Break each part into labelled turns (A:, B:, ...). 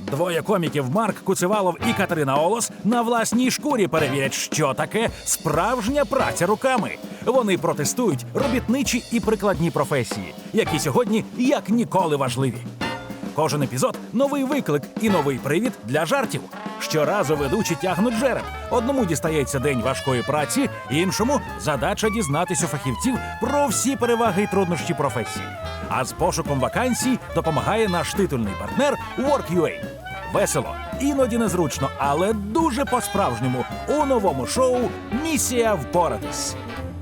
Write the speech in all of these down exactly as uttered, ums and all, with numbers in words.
A: Двоє коміків Марк Куцевалов і Катерина Олос на власній шкурі перевірять, що таке справжня праця руками. Вони протестують робітничі і прикладні професії, які сьогодні як ніколи важливі. Кожен епізод – новий виклик і новий привід для жартів. Щоразу ведучі тягнуть жереб. Одному дістається день важкої праці, іншому – задача дізнатись у фахівців про всі переваги і труднощі професії. А з пошуком вакансій допомагає наш титульний партнер Work.ua. Весело, іноді незручно, але дуже по-справжньому у новому шоу «Місія впоратись».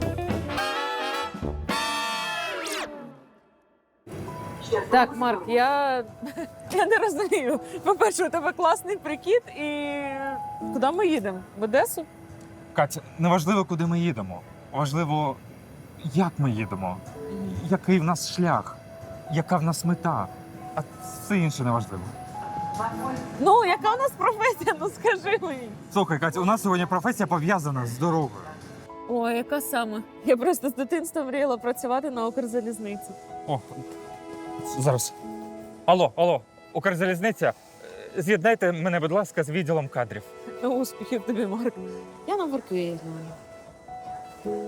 B: Так, Марк, я, я не розумію. По-перше, у тебе класний прикид і куди ми їдемо? В Одесу?
C: Катя, не важливо, куди ми їдемо. Важливо, як ми їдемо, який в нас шлях, яка в нас мета. А все інше не важливо.
B: Ну, яка у нас професія? Ну скажи мені.
C: Слухай, Катя, у нас сьогодні професія пов'язана з дорогою.
B: Ой, яка саме? Я просто з дитинства мріяла працювати на Укрзалізниці.
C: О, зараз. Алло, алло, Укрзалізниця, е, з'єднайте мене, будь ласка, з відділом кадрів.
B: Ну, успіхів тобі, Марк. Я на Work.ua знаю.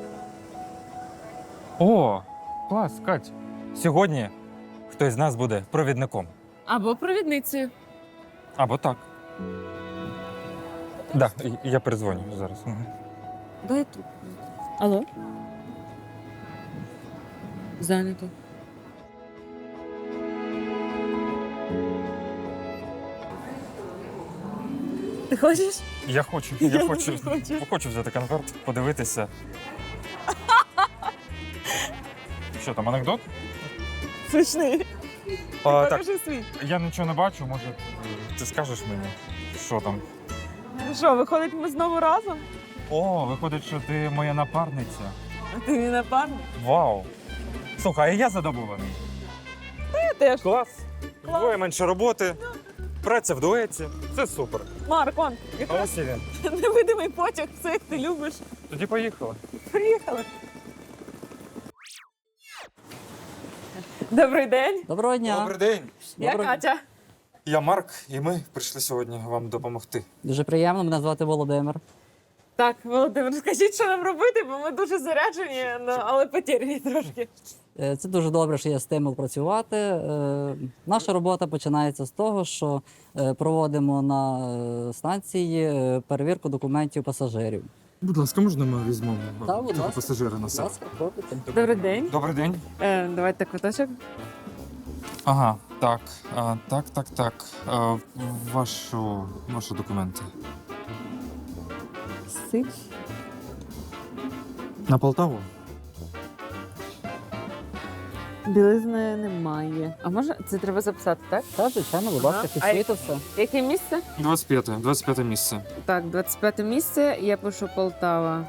C: О, клас, Кать. Сьогодні хтось з нас буде провідником.
B: Або провідницею.
C: Або так. Так, да, я передзвоню зараз. Мгм.
B: Дай тут. Алло? Зайнято. Ти хочеш?
C: Я хочу, я,
B: Я
C: хочу,
B: не хочу.
C: хочу взяти конверт, подивитися. Що там, анекдот?
B: Смішний.
C: А, так,
B: Покажи свій.
C: я нічого не бачу, може, ти скажеш мені, що там?
B: Ну що, виходить, ми знову разом?
C: О, виходить, що ти моя напарниця.
B: А ти мій напарник?
C: Вау! Слухай, а я задоволений.
B: Я теж.
C: Клас.
B: Клас.
C: Вдвоє менше роботи, праця в дуеті. Це супер.
B: Марк, он,
C: А
B: якраз
C: ось і він.
B: невидимий потяг, все як ти любиш.
C: Тоді поїхали.
B: Приїхали. Добрий день.
D: Доброго дня.
C: Добрий день.
B: Я
D: Доброго-
B: Катя.
C: Я Марк, і ми прийшли сьогодні вам допомогти.
D: Дуже приємно, мене звати Володимир.
B: Так, Володимир, скажіть, що нам робити, бо ми дуже заряджені, ну, але потеряні трошки.
D: Е, Це дуже добре, що є стимул працювати. Е, Наша робота починається з того, що е, проводимо на е, станції е, перевірку документів пасажирів.
C: Будь ласка, можна ми візьмемо
D: Так, будь ласка.
C: пасажира на
D: Будь
C: себе?
D: ласка, пробуйте.
B: Добрий день.
C: Добрий день.
B: Е, давайте квиточок.
C: Ага, так, а, так, так, так. А, вашу, ваші документи.
D: Сик.
C: На Полтаву?
B: Білизни немає. А може це треба записати, так?
D: Так, звичайно, будь ласка,
B: Ага.
D: фіксуйте все.
B: Яке місце?
C: двадцять п'яте, двадцять п'яте місце.
B: Так, двадцять п'яте місце, я пишу Полтава.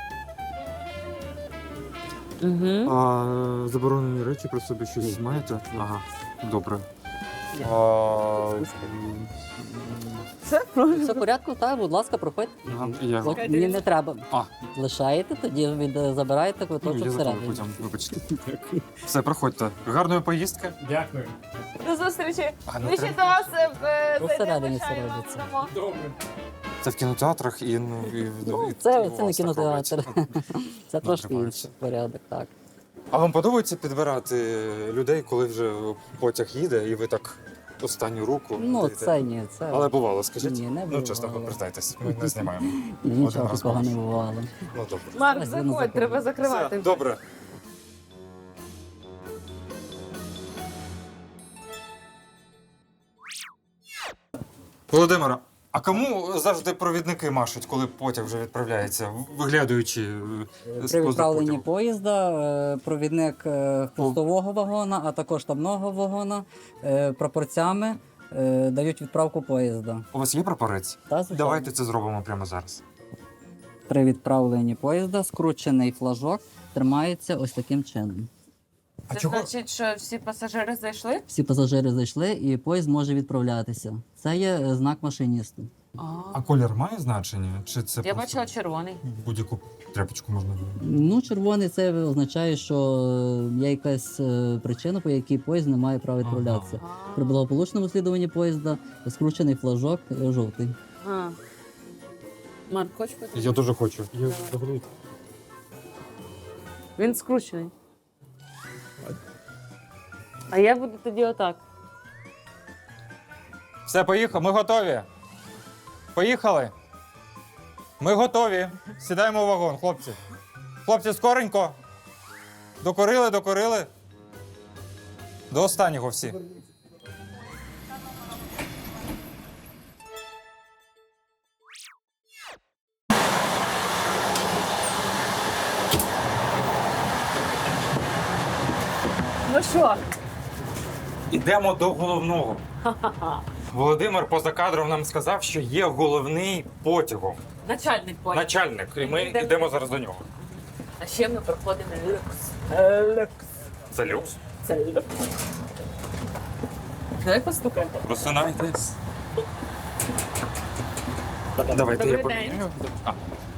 B: Угу.
C: А заборонені речі про собі щось маєте? Ага, добре.
D: Є.
C: А,
B: Все,
D: Все
B: правильно.
D: в порядку, так, будь ласка, проходьте.
C: ага, я,
D: От мені не треба.
C: А.
D: Лишаєте, тоді від, забираєте
C: ну,
D: квиточок
C: я забув
D: всередині.
C: потім, вибачте. Все, проходьте. Гарної поїздки. Дякую.
B: До зустрічі.
C: А,
B: Ми
C: ну,
B: ще до
C: треба-
B: вас е, е,
D: Ну,
B: зайдемо,
D: всередині
B: чаю вам
D: всередині.
B: дамо.
C: Це в кінотеатрах і, ну, і, в-
D: Ну,
C: і-
D: це,
C: і у
D: це не
C: вас так
D: кінотеатр.
C: робиться.
D: Це трошки
C: тримається.
D: інший порядок, так.
C: А вам подобається підбирати людей, коли вже потяг їде, і ви так останню руку?
D: Ну,
C: даєте?
D: це ні, це.
C: Але бувало, скажіть?
D: Ні, не
C: Ну, чесно,
D: бувало.
C: признайтесь, ми не знімаємо.
D: Нічого
C: Один раз
D: такого не
C: можеш.
D: бувало.
C: Ну, добре.
B: Марк,
D: Ось він
B: заходь,
D: заходить.
B: треба закривати.
C: Все, добре. Володимира, а кому завжди провідники машуть, коли потяг вже відправляється, виглядаючи е, з
D: При
C: поза
D: відправленні
C: потягу?
D: поїзда е, провідник е, хвостового вагона, а також штабного вагона е, прапорцями е, дають відправку поїзда.
C: У вас є прапорець?
D: Та, звичайно.
C: Давайте це зробимо прямо зараз.
D: При відправленні поїзда скручений флажок тримається ось таким чином.
C: А
B: Це
C: чого?
B: значить, що всі пасажири зайшли?
D: Всі пасажири зайшли і поїзд може відправлятися. Це є е, знак машиністу.
C: А колір має значення? Чи це
B: Я
C: просто
B: бачила червоний.
C: будь-яку тряпочку можна?
D: Ну, червоний це означає, що є якась е, причина, по якій поїзд не має права відправлятися. При благополучному слідуванні поїзда скручений флажок е, жовтий.
B: А. Марк, хочеш пити?
C: Я дуже хочу. Я взагалі.
B: Він скручений. А я буду тоді отак.
C: Все, поїхали. Ми готові. Поїхали. Ми готові. Сідаємо в вагон, хлопці. Хлопці, скоренько. Докорили, докорили. До останнього всі.
B: Ну що?
C: Ідемо до головного. Володимир поза кадром нам сказав, що є головний потягом.
B: Начальник поїзд.
C: Начальник. І ми
B: Йдемо.
C: йдемо зараз до нього.
B: А ще ми проходимо люкс. Люкс.
C: Це люкс.
B: Це люкс. Давай постукаємо.
C: Просинайтесь. Давайте я
B: Добрий
C: поміняю.
B: день.
C: А,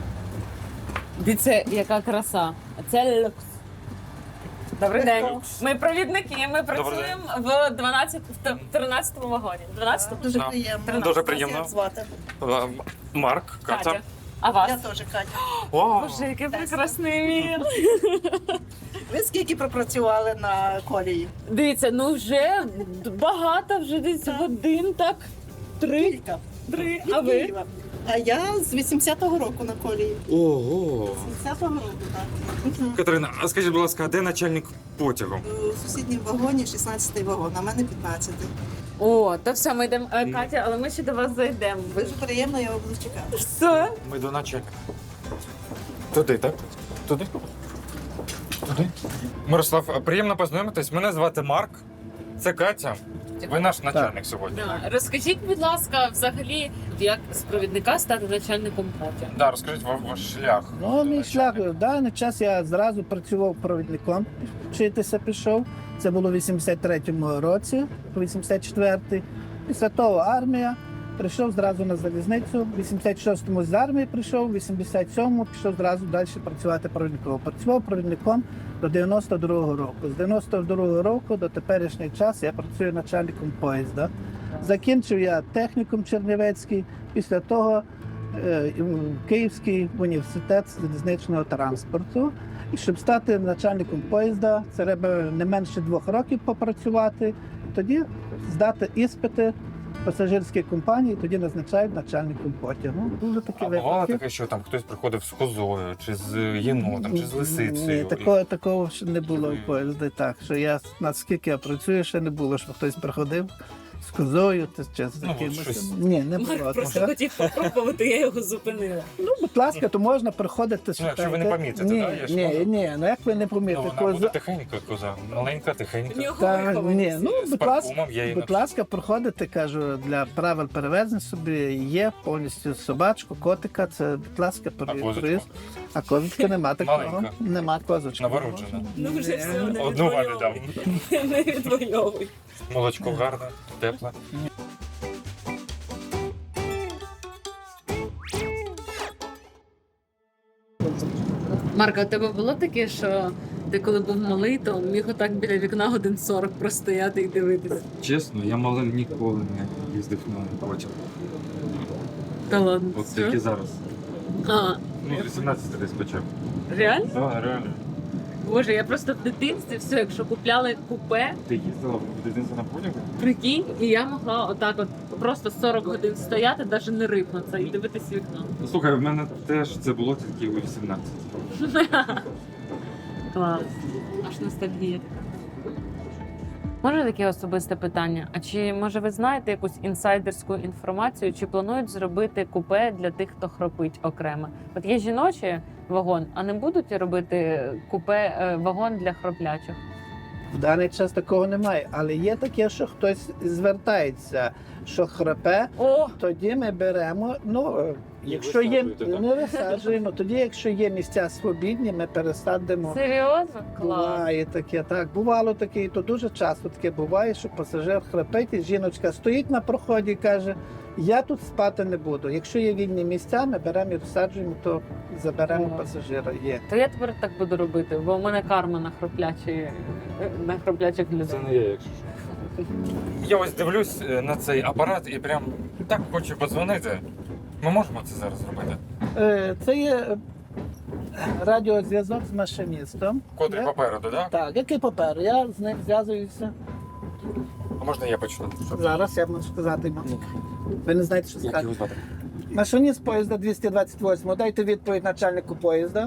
B: Дивіться, яка краса. Це люкс. Добрий день. Ми провідники, ми працюємо в дванадцятому, в тринадцятому вагоні. дванадцятому?
E: Дуже
C: Да.
E: приємно.
C: Дуже приємно.
E: Як звати?
C: е, Марк, Катя.
B: Катя. А вас?
E: Я теж Катя.
C: О,
B: Боже, який прекрасний мір.
E: Ви скільки пропрацювали на колії?
B: Дивіться, ну вже багато, вже десь годин, так? Три.
E: Кілька.
B: Три.
E: Від
B: А ви?
E: Києва. А я з вісімдесятого року на колії.
C: Ого.
E: вісімдесятого року, так. Мгм.
C: Катерина, а скажіть, будь ласка, а де начальник потягу?
E: У сусідньому вагоні шістнадцятий вагон, а в мене п'ятнадцятий.
B: О, то все, ми йдемо. Е, Катя, але ми ще до вас зайдемо.
E: Дуже приємно, я вас буду чекати.
B: Все.
C: Ми до начальника. Туди, так? Туди? Туди. Мирослав, приємно познайомитись. Мене звати Марк. Це Катя. Ви наш начальник сьогодні.
B: Да. Розкажіть, будь ласка, взагалі, як з провідника стати начальником потягу?
C: Да, розкажіть ва- ваш шлях.
F: Ну, мій шлях в даний час я зразу працював провідником, вчитися пішов. Це було в вісімдесят третьому році, по вісімдесят четвертий. Після того армія. Прийшов зразу на залізницю. В вісімдесят шостому з армії прийшов, в вісімдесят сьомому пішов зразу далі працювати провідником. Працював провідником до дев'яносто другого року. З дев'яносто другого року до теперішнього часу я працюю начальником поїзда. Закінчив я технікум Чернівецький, після того е, Київський університет залізничного транспорту. І щоб стати начальником поїзда, це треба не менше двох років попрацювати, тоді здати іспити пасажирській компанії, тоді назначають начальником потягу. Дуже такі
C: А бувало
F: випадки.
C: таке, що там хтось приходив з козою, чи з єнотом, чи з лисицею.
F: Ні, такого, такого ще не було в поїзді. Так, що я, наскільки я працюю, ще не було, щоб хтось приходив з козою чи- чи з
C: Ну, от
F: якимось.
C: щось.
F: Ні, не було.
B: Марк просто
F: такого.
B: хотів попробувати, я його зупинила.
F: Ну, будь ласка, то можна приходити.
C: Ну, якщо ви не
F: шукайте.
C: помітите,
F: ні,
C: да, я ж
F: ні,
C: можу.
F: ні, ну як ви не
C: Ну,
F: помітите?
C: вона
F: коза-
C: буде тихенька коза, маленька, тихенька.
B: В нього
F: Та,
B: вихованість.
F: ні, ну,
C: З
F: будь ласка,
C: парфумом я її
F: будь ласка, проходите, кажу, для правил перевезень собі є повністю собачку, котика, це, будь ласка,
C: А козочку?
F: проїзд. А козочки нема такого.
C: Маленька.
F: Нема козочки.
C: Новорождена.
B: Ну вже все, не
C: Одну ваді дам.
B: відвоюй. Не відвоюй.
C: Молочко гарне, тепле.
B: Марка, у тебе було таке, що ти коли був малий, то міг отак біля вікна годин сорок простояти і дивитися?
C: Чесно, я малим ніколи не їздив на потяг.
B: Та ладно.
C: От
B: що?
C: тільки зараз.
B: А,
C: Ну, з вісімнадцяти десь почав.
B: реально?
C: Так, реально.
B: Боже, я просто в дитинстві все, якщо купляли купе,
C: Ти їздила в дитинстві на потягу?
B: прикинь, і я могла отак от просто сорок годин стояти, навіть не рипнутися і дивитись в вікно.
C: Ну, слухай, в мене теж це було тільки у вісімнадцять.
B: Клас. Аж ностальгія. Може таке особисте питання? А чи може ви знаєте якусь інсайдерську інформацію, чи планують зробити купе для тих, хто хропить окремо? От є жіночий вагон, а не будуть робити купе е, вагон для хроплячих?
F: В даний час такого немає, але є таке, що хтось звертається, що храпе,
B: О,
F: тоді ми беремо, ну, Якщо є,
C: висаджуєте, так?
F: не висаджуємо, тоді, якщо є місця свобідні, ми пересадимо.
B: Серйозно? Клас.
F: Буває таке, так. Бувало таке, і то дуже часто таке буває, що пасажир храпить, і жіночка стоїть на проході і каже, я тут спати не буду. Якщо є вільні місця, ми беремо і розсаджуємо, то заберемо
B: Ага.
F: пасажира. Є.
B: То я тепер так буду робити, бо в мене карма на хроплячі, на хроплячих людей.
C: не я, якщо що. Я ось дивлюсь е, на цей апарат і прям так хочу подзвонити. Ми можемо це зараз зробити?
F: Е, Це є е, радіозв'язок з машиністом.
C: Котрий
F: Я-
C: попереду, так?
F: Так, який папер? Я з ним зв'язуюся.
C: А можна я почну? Щоб-
F: Зараз я можу сказати йому. Ви не знаєте, що
C: Як
F: сказати.
C: його звати?
F: Машиніст поїзда двісті двадцять восьм. Дайте відповідь начальнику поїзда.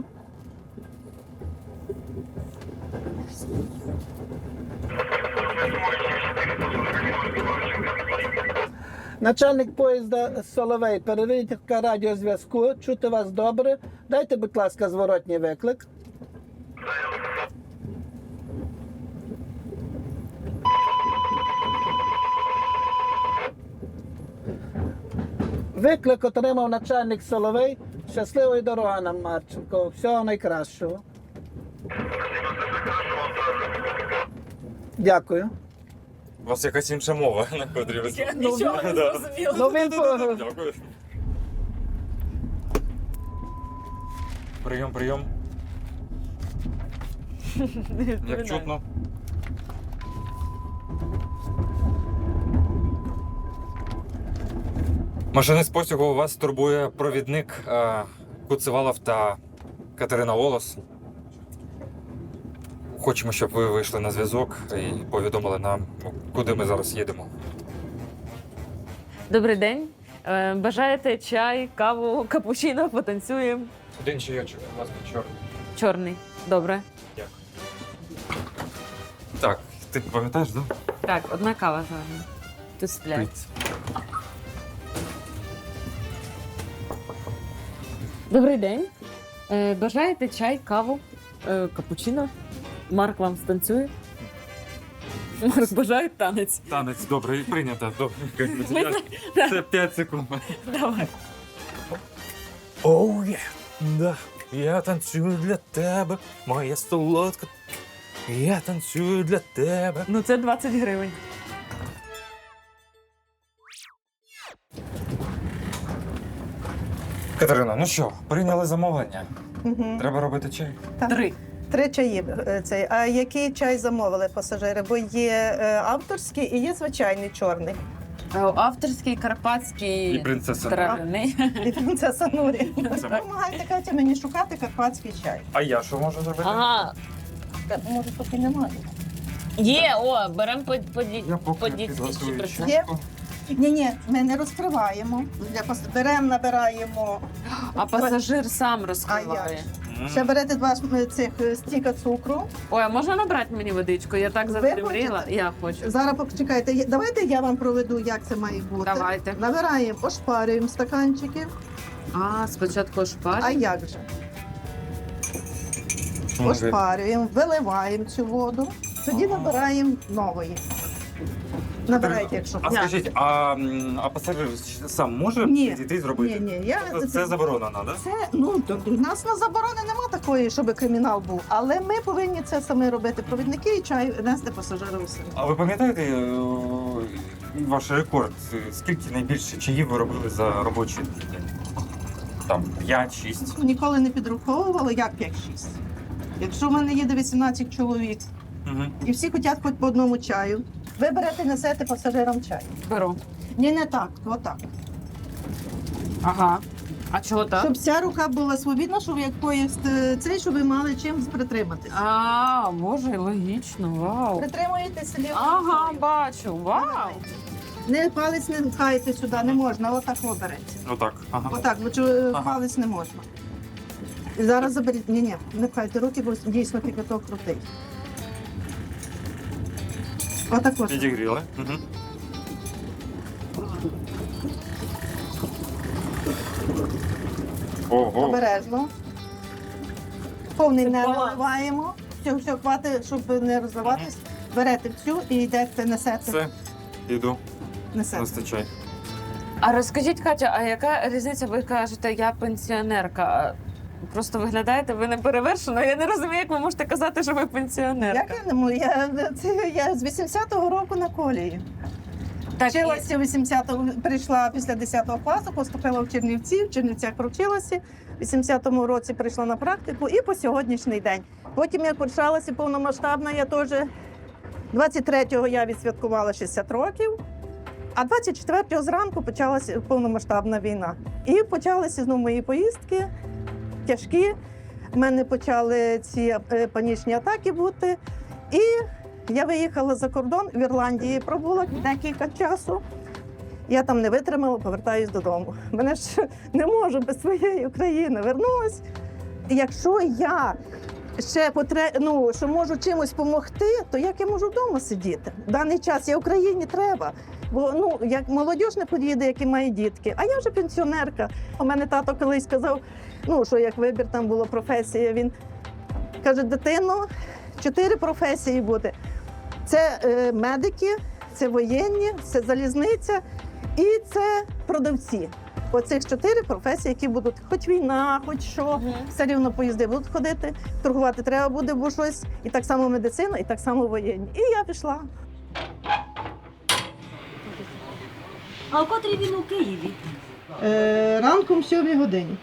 F: Начальник поїзда Соловей, перевірка радіозв'язку. Чути вас добре. Дайте, будь ласка, зворотній виклик. Виклик отримав начальник Соловей. Щасливої дороги нам, Марченко. Всього найкращого. Дякую.
C: У вас якась інша мова, на котрій ви
B: Я нічого не
C: Да.
B: зрозуміла.
F: Ну він по-
C: Дякую. Прийом, прийом. Як чутно. Машинист потягу, вас турбує провідник е, Куцевалов та Катерина Волос. Хочемо, щоб ви вийшли на зв'язок і повідомили нам, куди ми зараз їдемо.
B: Добрий день. Е, Бажаєте чай, каву, капучино, потанцюємо?
C: Один чайочок, будь ласка, чорний.
B: Чорний. Добре.
C: Дякую. Так, ти пам'ятаєш, так?
B: Так, одна кава з вами. Тут сплять. Добрий день. Е, Бажаєте чай, каву, е, капучино? Марк вам станцює? Марк бажає танець.
C: Танець, добре, прийнято. Добре.
B: Ми-
C: Це п'ять секунд.
B: Давай.
A: Оу, є. Да. Я танцюю для тебе, моя солодка. Я танцюю для тебе.
B: Ну це двадцять гривень.
C: Катерина, ну що, прийняли замовлення?
E: Мгм.
C: Треба робити чай.
B: Три.
E: Три чаї. е, Цей. А який чай замовили пасажири? Бо є е, авторський і є звичайний чорний.
B: Е, Авторський, карпатський,
C: І принцеса.
B: травяний.
E: І принцеса Нурі.
C: Це-
E: Допомагайте Катя мені шукати карпатський чай.
C: А я що можу зробити?
B: Ага,
E: Та, може, поки немає.
B: є, о, беремо по, по, ді-
C: Я
B: по
C: поки
B: дікції.
C: підготую
B: чи при-
C: чашку.
E: Ні, ні, ми не розкриваємо. Для пас... Беремо, набираємо.
B: А пасажир сам
E: А
B: розкриває.
E: як?
C: М.
E: Ще берете два ш- цих е, стіка цукру.
B: Ой, а можна набрати мені водичку? Я так завжди
E: Ви
B: мріяла.
E: хочете?
B: Я хочу.
E: Зараз почекайте. є- Давайте я вам проведу, як це має бути.
B: Давайте.
E: Набираємо, ошпарюємо стаканчики.
B: А, спочатку
E: А
B: шпарі.
E: як же?
C: Ну,
E: Ошпарюємо, виливаємо цю воду, тоді набираємо нової. Набирайте, якщо
C: А
E: хочете.
C: скажіть, а, м, а пасажир сам може
E: Ні.
C: підійти і зробити?
E: Ні, ні, я
C: Тобто це заборонено, так?
E: Це, ну, то у нас на заборони нема такої, щоб кримінал був. Але ми повинні це самі робити. Провідники і чай нести пасажирам самі.
C: А ви пам'ятаєте е, ваш рекорд? Скільки найбільше чаїв ви робили за робочий день? Там п'ять-шість.
E: Ніколи не підраховували, як п'ять-шість. Якщо в мене їде вісімнадцять чоловік
C: Угу.
E: і всі хочуть хоч по одному чаю, ви берете, несете пасажирам чай.
B: Беру.
E: Ні, не так, отак.
B: Ага. А чого так?
E: Щоб ця рука була свобідна, щоб як поїзд е, цей, щоб ви мали чим притриматися.
B: А, боже, логічно, вау.
E: Притримуєтеся лівою
B: Ага,
E: рукою.
B: бачу, вау.
E: Не палець не пхаєте сюди, не можна, отак обереться.
C: Отак. Ага.
E: Отак, бо чу-
C: Ага.
E: палець не можна. І зараз заберіть. Ні, ні, не пхайте руки, бо дійсно кипяток крутий. Отак ось.
C: Підігріли. Угу. Ого.
E: Обережно. Повний не
B: баланс.
E: наливаємо. Все, все, хватить, щоб не розливатись. Берете всю і йдете, несете.
C: Все, іду.
E: несете.
C: Нести чай.
B: А розкажіть, Катя, а яка різниця? Ви кажете, я пенсіонерка. А просто виглядаєте, ви не перевершено. Я не розумію, як ви можете казати, що ви пенсіонерка.
E: Як я не можу? Я, це, я з вісімдесятого року на колії.
B: Так, і-
E: Вчилася вісімдесятого, прийшла після десятого класу, поступила в Чернівці, в Чернівцях провчилася. В вісімдесятому році прийшла на практику і по сьогоднішній день. Потім, як почалася повномасштабна, я теж двадцять третього я відсвяткувала шістдесят років, а двадцять четвертого зранку почалася повномасштабна війна. І почалися знову мої поїздки тяжкі. У мене почали ці е, панічні атаки бути. І я виїхала за кордон, в Ірландії пробула декілька часу. Я там не витримала, повертаюсь додому. Мене ж не можу без своєї України. Вернулась. Якщо я ще потре... ну, що можу чимось допомогти, то як я можу вдома сидіти? В даний час я Україні треба. Бо ну, як молодь не поїде, які має дітки, а я вже пенсіонерка. У мене тато колись сказав, ну, що як вибір там була професія, він каже, дитино, чотири професії буде. Це е, медики, це воєнні, це залізниця і це продавці. Оцих чотири професії, які будуть, хоч війна, хоч що,
B: Мгм.
E: все рівно поїзди будуть ходити, торгувати треба буде, бо щось. І так само медицина, і так само воєнні. І я пішла.
G: А о котрій він у Києві?
E: Е, ранком в сьомій годині.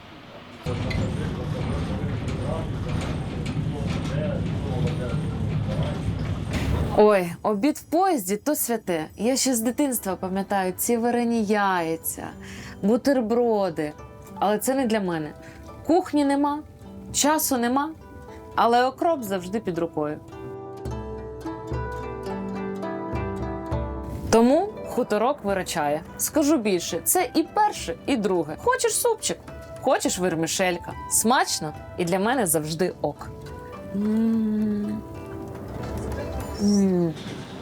B: Ой, обід в поїзді то святе. Я ще з дитинства пам'ятаю ці варені яйця, бутерброди. Але це не для мене. Кухні нема, часу нема, але окроп завжди під рукою. Тому хуторок виручає. Скажу більше, це і перше, і друге. Хочеш супчик, хочеш вермишелька. Смачно і для мене завжди ок. М. М.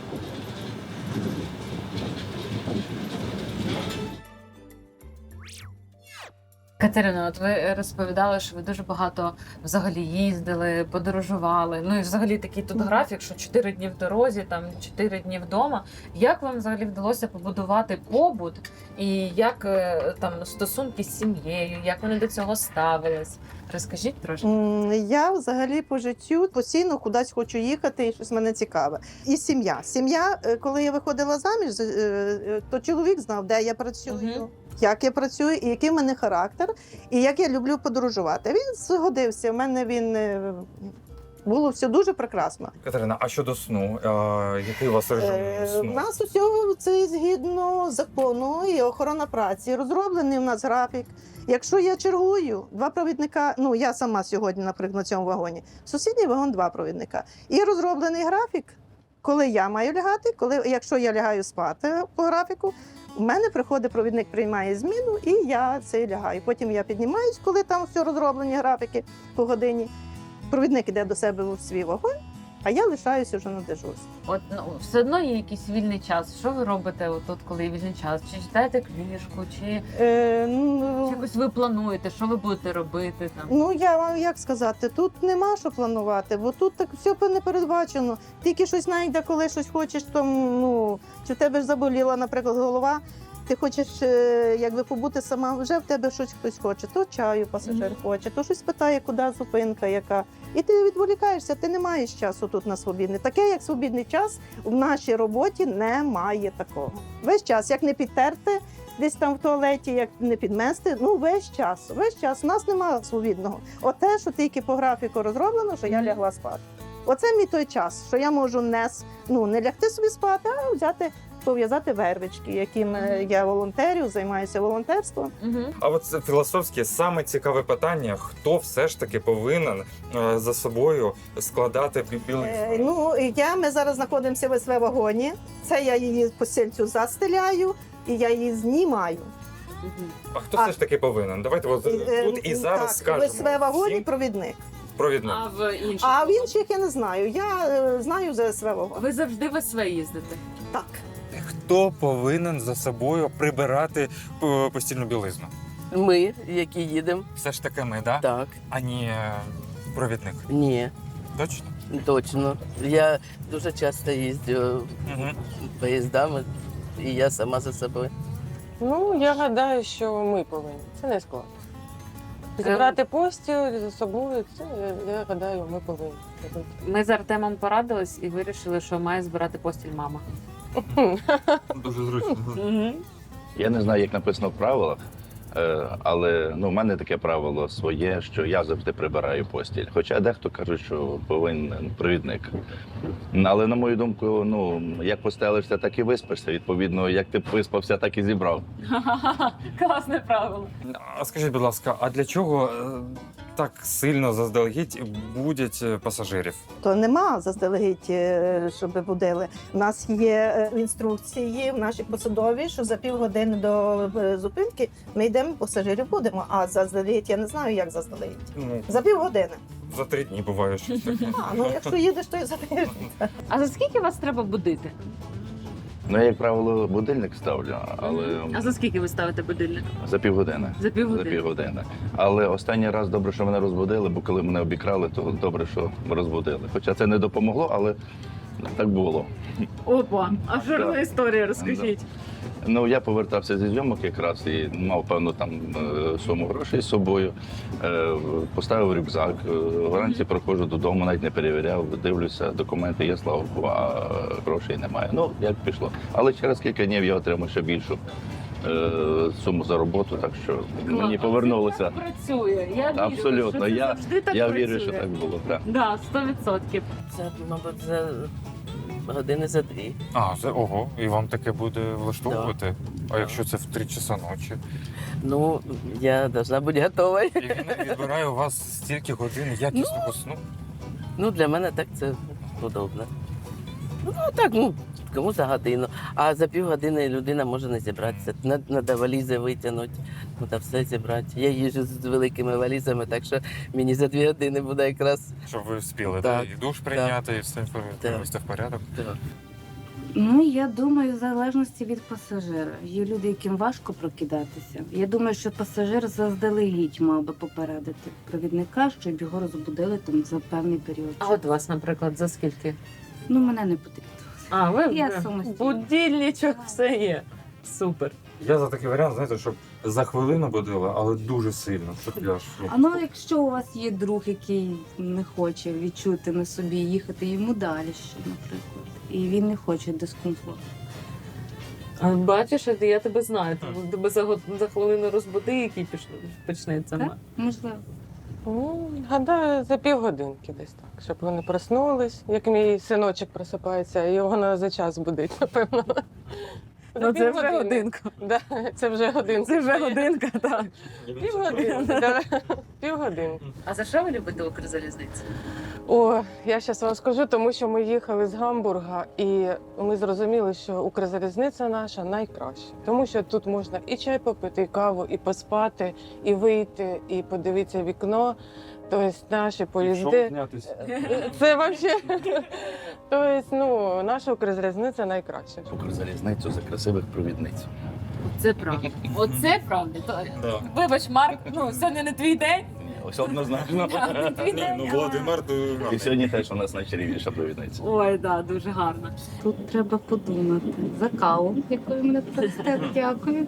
B: Катерина, от ви розповідали, що ви дуже багато взагалі їздили, подорожували. Ну і взагалі такий тут графік, що чотири дні в дорозі, там чотири дні вдома. Як вам взагалі вдалося побудувати побут і як е, там стосунки з сім'єю, як вони до цього ставились? Розкажіть трошки.
E: М, Я взагалі по життю постійно кудись хочу їхати, і щось мене цікаве. І сім'я. Сім'я, е, коли я виходила заміж, е, е, то чоловік знав, де я працюю,
B: Мгм.
E: як я працюю, і який в мене характер, і як я люблю подорожувати. Він згодився. У мене він е, було все дуже прекрасно.
C: Катерина, а щодо сну? Е, який у вас режим
E: Е, У
C: сну?
E: нас усього це згідно закону і охорона праці. Розроблений у нас графік. Якщо я чергую, два провідника, ну я сама сьогодні, наприклад, на цьому вагоні, сусідній вагон два провідника. І розроблений графік, коли я маю лягати, коли, якщо я лягаю спати по графіку, у мене приходить провідник, приймає зміну, і я це лягаю. Потім я піднімаюсь, коли там все розроблені графіки по годині. Провідник іде до себе в свій вагон, а я лишаюся вже на дежурстві.
B: От ну все одно є якийсь вільний час. Що ви робите отут, коли є вільний час? Чи читаєте книжку, чи,
E: Е,
B: чи
E: ну,
B: якось ви плануєте, що ви будете робити там?
E: Ну, я вам як сказати, тут нема що планувати, бо тут так все не передбачено. Тільки щось знайде, коли щось хочеш, там, ну, чи в тебе ж заболіла, наприклад, голова, ти хочеш е, якби побути сама, вже в тебе щось хтось хоче, то чаю пасажир
B: Мгм.
E: хоче, то щось питає, куди зупинка, яка. І ти відволікаєшся, ти не маєш часу тут на свобідний. Таке, як свобідний час, в нашій роботі немає такого. Весь час, як не підтерти, десь там в туалеті, як не підмести, ну весь час, весь час. У нас немає свобідного. Оте, що тільки по графіку розроблено, що я
B: Мгм.
E: лягла спати. Оце мій той час, що я можу не, с- ну, не лягти собі спати, а взяти, пов'язати вервички, яким е,
B: Мгм.
E: я волонтерю, займаюся волонтерством.
B: Угу.
C: А от це філософське саме цікаве питання: хто все ж таки повинен е, за собою складати бі-
E: Е,
C: білизну?
E: ну, і я, ми зараз знаходимося в СВ-вагоні. Це я її постільцю застеляю і я її знімаю.
C: А хто
E: а-
C: все ж таки повинен? Давайте от,
E: Е,
C: тут і зараз
E: так,
C: скажемо.
E: в СВ-вагоні
C: всім
E: провідник.
C: провідник.
B: А в інших?
E: А в інших я не знаю. Я е, знаю за СВ-вагон.
B: Ви завжди в СВ їздите?
E: Так.
C: Хто повинен за собою прибирати е, постільну білизну?
H: Ми, які їдемо,
C: Все ж таки ми, да?
H: так,
C: А не е, провідник.
H: ні,
C: Точно?
H: точно. Я дуже часто їздю
C: Угу.
H: поїздами, і я сама за собою.
I: Ну, я гадаю, що ми повинні. Це не складно. Зібрати постіль за собою, це, я, я гадаю, ми повинні робити.
B: Ми з Артемом порадились і вирішили, що має збирати постіль мама.
C: Дуже зручно.
J: Я не знаю, як написано в правилах, е, але ну, в мене таке правило своє, що я завжди прибираю постіль. Хоча дехто каже, що повинен провідник. Але на мою думку, ну як постелишся, так і виспишся. Відповідно, як ти виспався, так і зібрав.
B: Класне правило.
C: А скажіть, будь ласка, а для чого е, так сильно заздалегідь будять е, пасажирів?
E: То нема заздалегідь, е, щоб будили. У нас є е, інструкції в нашій посадовій, що за півгодини до е, зупинки ми йдемо, пасажирів будемо. А заздалегідь я не знаю, як заздалегідь.
C: Ну,
E: За півгодини.
C: за три дні буває щось таке.
E: А, ну якщо їдеш, то і за тиждень.
B: А за скільки вас треба будити?
J: Ну, я, як правило, будильник ставлю, але
B: А за скільки ви ставите будильник?
J: за півгодини.
B: За півгодини.
J: За півгодини. Але останній раз добре, що мене розбудили, бо коли мене обікрали, то добре, що розбудили. Хоча це не допомогло, але так було.
B: Опа, а що
J: Да.
B: за історія, розкажіть.
J: Ну, я повертався зі зйомок якраз і мав певну там е, суму грошей з собою. Е, Поставив рюкзак. е, Вранці проходжу додому, навіть не перевіряв, дивлюся, документи є, слава Богу, а грошей немає. Ну, як пішло. Але через кілька днів я отримав ще більшу е, суму за роботу, так що мені повернулося.
B: Так працює. Я вірю,
J: Абсолютно.
B: що це
J: Я,
B: завжди так
J: я
B: працює.
J: вірю, що так було. Так.
B: Да, сто відсотків.
H: Це, мабуть, за години за дві.
C: А, це ого, і вам таке буде влаштовувати? А якщо це в три часа ночі?
H: Ну, я должна бути готова.
C: І він відбирає у вас стільки годин якісного сну?
H: Ну, для мене так це удобно. Ну, так, ну, кому за годину. А за півгодини людина може не зібратися. Треба валізи витягнути, треба все зібрати. Я їжджу з великими валізами, так що мені за дві години буде якраз.
C: Щоб ви встигли
H: Так,
C: і душ прийняти, і все привести в порядок?
H: Так.
K: Ну, я думаю, в залежності від пасажира. Є люди, яким важко прокидатися. Я думаю, що пасажир заздалегідь мав би попередити провідника, щоб його розбудили там за певний період.
B: А от вас, наприклад, за скільки?
K: Ну, мене не потрібно.
B: А, ви
K: Я
B: ви-
K: самостійно.
B: будильничок, все є. Супер.
C: Я за такий варіант, знаєте, щоб за хвилину будили, але дуже сильно, щоб я ж...
K: А ну, якщо у вас є друг, який не хоче відчути на собі їхати йому далі ще, наприклад, і він не хоче дискомфорту.
B: А бачиш, я тебе знаю. Тому тебе за, год- за хвилину розбуди, який піш- почнеться.
K: Так? Можливо.
I: Ну, гадаю, за півгодинки десь так, щоб вони проснулись. Як мій синочок просипається, його на за час будить, напевно.
B: Ну, це вже годинка.
I: Да, це вже годинка.
B: Це вже годинка, так.
I: Півгодинки, да. Півгодинки.
B: А за що ви любите Укрзалізницю?
I: О, я зараз вам скажу, тому що ми їхали з Гамбурга, і ми зрозуміли, що Укрзалізниця наша найкраща. Тому що тут можна і чай попити, і каву, і поспати, і вийти, і подивитися в вікно. Тобто наші поїзди. Це взагалі. Тобто, ну, наша Укрзалізниця найкраща.
J: Укрзалізницю за красивих провідниць.
B: Це правда. Оце правда. То- Вибач, Марк, ну сьогодні не твій день.
J: Ні, ось однозначно.
B: Не твій день.
C: Ну,
B: але-
C: Володимир, то...
J: І сьогодні теж у нас найчарівніша провідниця.
B: Ой, да, дуже гарно.
K: Тут треба подумати. За каву, яку ви мене простите, дякую.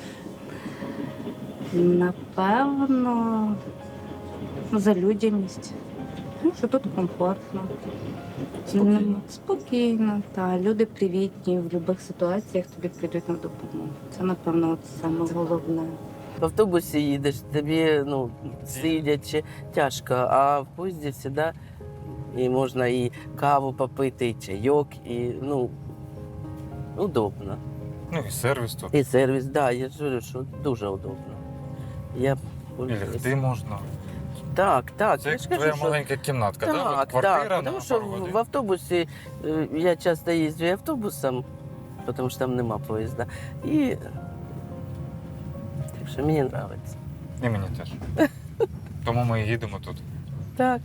K: Напевно, за людяність. Ну, що тут комфортно. Спокійно. Спокійно, та люди привітні, в будь-яких ситуаціях тобі прийдуть на допомогу. Це, напевно, от саме головне.
H: В автобусі їдеш, тобі ну, сидячи тяжко, а в поїзді завжди і можна і каву попити, і чайок, і ну, удобно.
C: Ну і сервіс тут.
H: І сервіс, так, да, я ж говорю, що дуже удобно. Я
C: І
H: пользуюсь.
C: лягти можна.
H: Так, так.
C: Це
H: я
C: як
H: ж кажу,
C: твоя
H: що...
C: маленька кімнатка, так?
H: Так,
C: От квартира
H: так,
C: на
H: тому що
C: пару годин.
H: в автобусі е, я часто їздю і автобусом, тому що там нема поїзда. І так що мені подобається.
C: І мені теж. Тому ми і їдемо тут.
H: Так.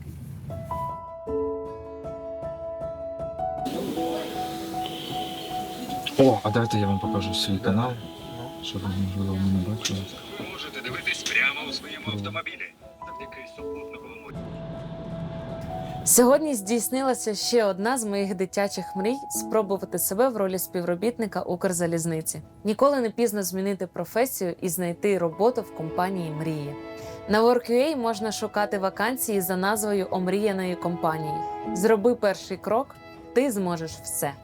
C: О, а дайте я вам покажу свій канал, щоб ви, можливо, мене бачили.
A: Можете дивитись прямо у своєму автомобілі завдяки супутниковому.
B: Сьогодні здійснилася ще одна з моїх дитячих мрій – спробувати себе в ролі співробітника Укрзалізниці. Ніколи не пізно змінити професію і знайти роботу в компанії мрії. На Work.ua можна шукати вакансії за назвою омріяної компанії. Зроби перший крок – ти зможеш все.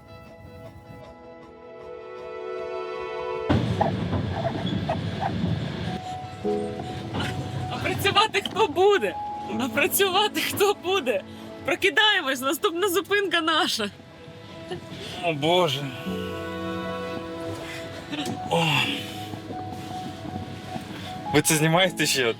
L: А працювати хто буде? А працювати хто буде? Прокидаємось, наступна зупинка наша.
C: О Боже. О. Ви це знімаєте ще?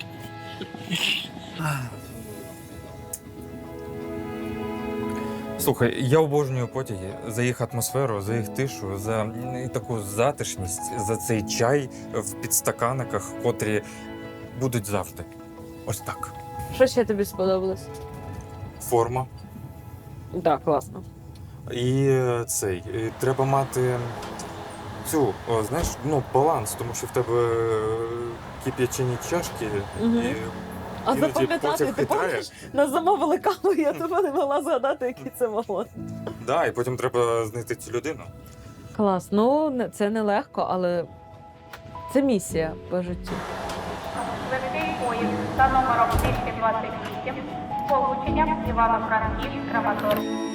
C: Слухай, я обожнюю потяги за їх атмосферу, за їх тишу, за м, таку затишність, за цей чай в підстаканниках, котрі будуть завжди. Ось так.
B: Що ще тобі сподобалось?
C: Форма.
B: Так, класно.
C: І е, цей. І треба мати цю, о, знаєш, ну, баланс, тому що в тебе е, кип'ячені чашки.
B: Мгм.
C: І
B: А
C: іноді
B: запам'ятати,
C: потяг
B: ти
C: хитає.
B: пам'ятаєш? Нас замовили каву, я тебе не могла згадати, який це вагон.
C: Да, і потім треба знайти цю людину.
B: Клас. Ну, не- це нелегко, але це місія по життю.
K: Швидкий поїзд за номером двісті двадцять вісім з полученням Івано-Франківськ-Краматорськ.